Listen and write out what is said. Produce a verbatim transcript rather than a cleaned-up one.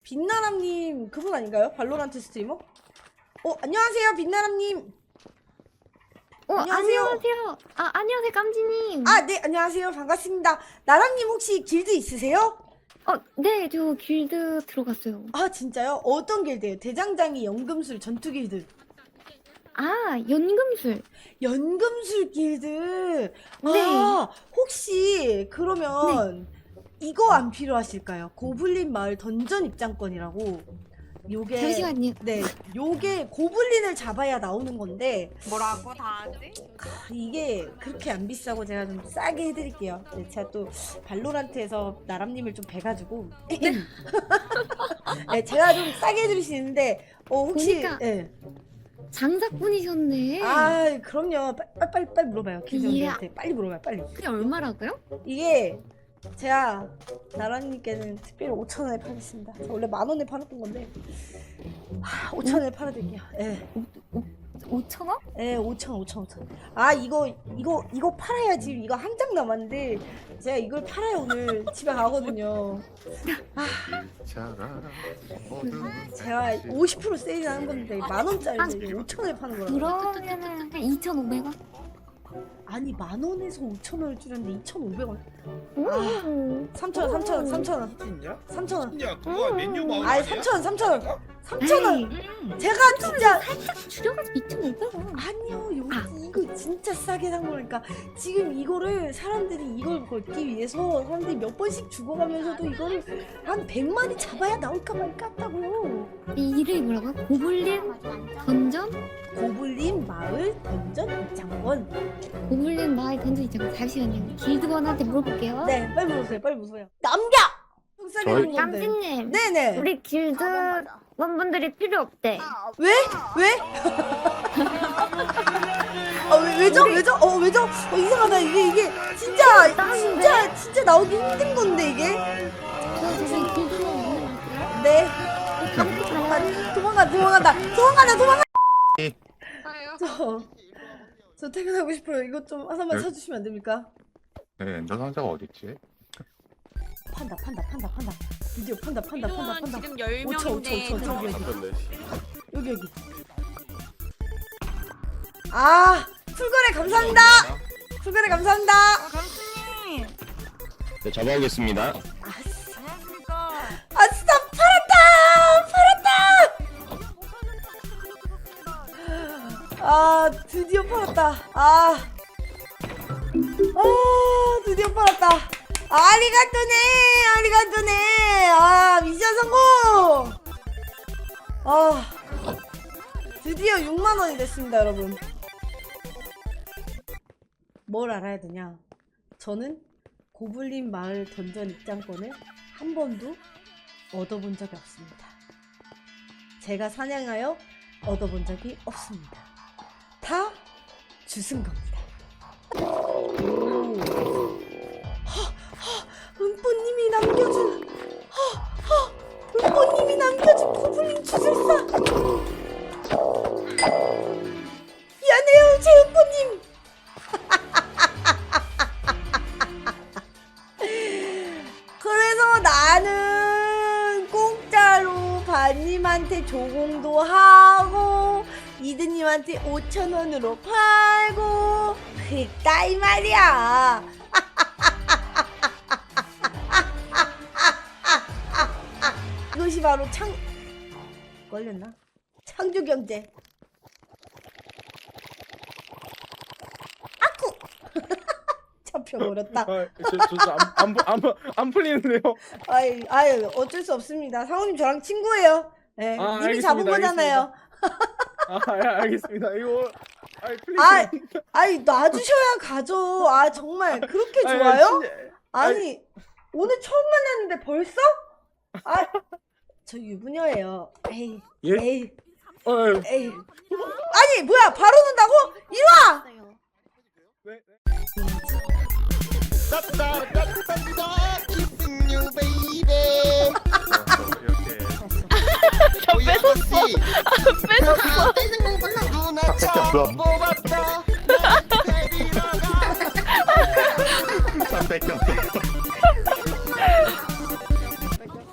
빛나람님 그분 아닌가요? 발로란트 스트리머? 어 안녕하세요 빛나람님. 어 안녕하세요. 안녕하세요. 아 안녕하세요 깜지님. 아 네 안녕하세요 반갑습니다. 나람님 혹시 길드 있으세요? 어 네 저 길드 들어갔어요. 아 진짜요? 어떤 길드예요? 대장장이 연금술 전투 길드. 아 연금술. 연금술 길드. 네. 아 혹시 그러면 이거 안 필요하실까요? 고블린 마을 던전 입장권이라고. 요게 잠시만요. 네, 요게 고블린을 잡아야 나오는 건데 뭐라고 다 하지? 이게 그렇게 안 비싸고 제가 좀 싸게 해드릴게요. 네, 제가 또 발로란트에서 나람님을 좀 뵈가지고 네, 제가 좀 싸게 해드릴 수 있는데 어 혹시 보니까 네. 장사꾼이셨네. 아 그럼요. 빨리 빨리 빨리 물어봐요. 예. 김정희한테 빨리 물어봐요. 빨리. 그게 얼마라고요? 이게 제가 나라님께는 특별히 오천 원에 팔겠습니다. 저 원래 만 원에 팔았던 건데 하, 오천 원에 팔아드릴게요. 예, 오천 원? 예, 오천, 오천, 오천. 아 이거 이거 이거 팔아야지. 이거 한 장 남았는데 제가 이걸 팔아야 오늘 집에 가거든요. 아, 제가 오십 퍼센트 세일하는 건데 만 원짜리 오천 원에 파는 거라고. 그러면은 한 이천오백 원? 아니 만 원에서 오천 원을 줄였는데 이천오백 원. 오. 삼천 원, 삼천 원, 삼천 원, 진짜? 삼천 원. 진짜 그거 메뉴 마을 아니 아니야? 삼천 원, 삼천 원, 삼천 원. 아이, 제가 진짜 살짝 줄여가지고 이천오백 원. 아니요 여기 아. 이거 진짜 싸게 산 거니까 지금 이거를 사람들이 이걸 걸기 위해서 사람들이 몇 번씩 죽어가면서도 이거를 한 백마리 잡아야 나올까 말까 했다고. 이 이름이 뭐라고요? 고블린 던전? 고블린 마을 던전 입장권. 고블린 마을 던전 있잖아요. 잠시만요. 길드원한테 물어볼게요. 네 빨리 물어보세요 빨리 물어보세요. 남겨! 좀 싸게 산 건데. 깜지님. 네네. 우리 길드원분들이 필요 없대. 왜? 왜? 아, 왜, 왜죠? 왜죠? 어, 왜죠? 어, 이상하다. 이게, 이게, 진짜, 진짜, 진짜 나오기 힘든 건데, 이게. 저 저기 길드원 물어볼게요. 네. 깜지 아, 도망가, 도망간다. 도망간다, 도망가. 아유. 저, 저 퇴근하고 싶어요. 이것 좀 하나만 네? 사주시면 안 됩니까? 네, 너 상자가 어딨지? 판다, 판다, 판다, 판다. 드디어 판다, 판다, 판다, 민호는 판다. 지금 열 오천, 오천, 명인데 오천, 오천, 여기, 잡혔네. 여기, 여기. 아, 풀거래 감사합니다. 풀거래 감사합니다. 아 감수님 네, 잡아오겠습니다. 아싸, 안녕하십니까. 아싸, 팔았다! 팔았다! 아 드디어 팔았다. 아, 아 드디어 팔았다. 아리가또네, 아리가또네. 아 미션 성공. 아 드디어 육만 원이 됐습니다, 여러분. 뭘 알아야 되냐? 저는 고블린 마을 던전 입장권을 한 번도 얻어본 적이 없습니다. 제가 사냥하여 얻어본 적이 없습니다. 다 주승 겁니다. 은뽀님이 남겨준 허, 허, 은뽀님이 남겨준 고블린 주술사. 미안해요 제 은뽀님. 그래서 나는 공짜로 반님한테 조공도 하고 이드님한테 오천 원으로 팔고 그랬다 이 말이야. 이것이 바로 창 걸렸나? 창조경제. 아쿠. 잡혀버렸다. 아, 저저안안안 풀리는데요. 아이, 아이, 어쩔 수 없습니다. 상호님 저랑 친구예요. 예, 아, 님이 잡은 알겠습니다, 거잖아요. 아, 아, 알겠습니다. 이거 아이 풀리. 아, 아이, 놔주셔야 가죠. 아, 정말 그렇게 좋아요? 아니, 오늘 처음 만났는데 벌써? 아, 저 유부녀예요. 에이, 예? 에이, 어, 에이. 아니, 뭐야, 바로 논다고? 이리 와! 네. 이렇게. 뺏었어. 뺏었어. 뺏은 거 몰라. 잠깐만.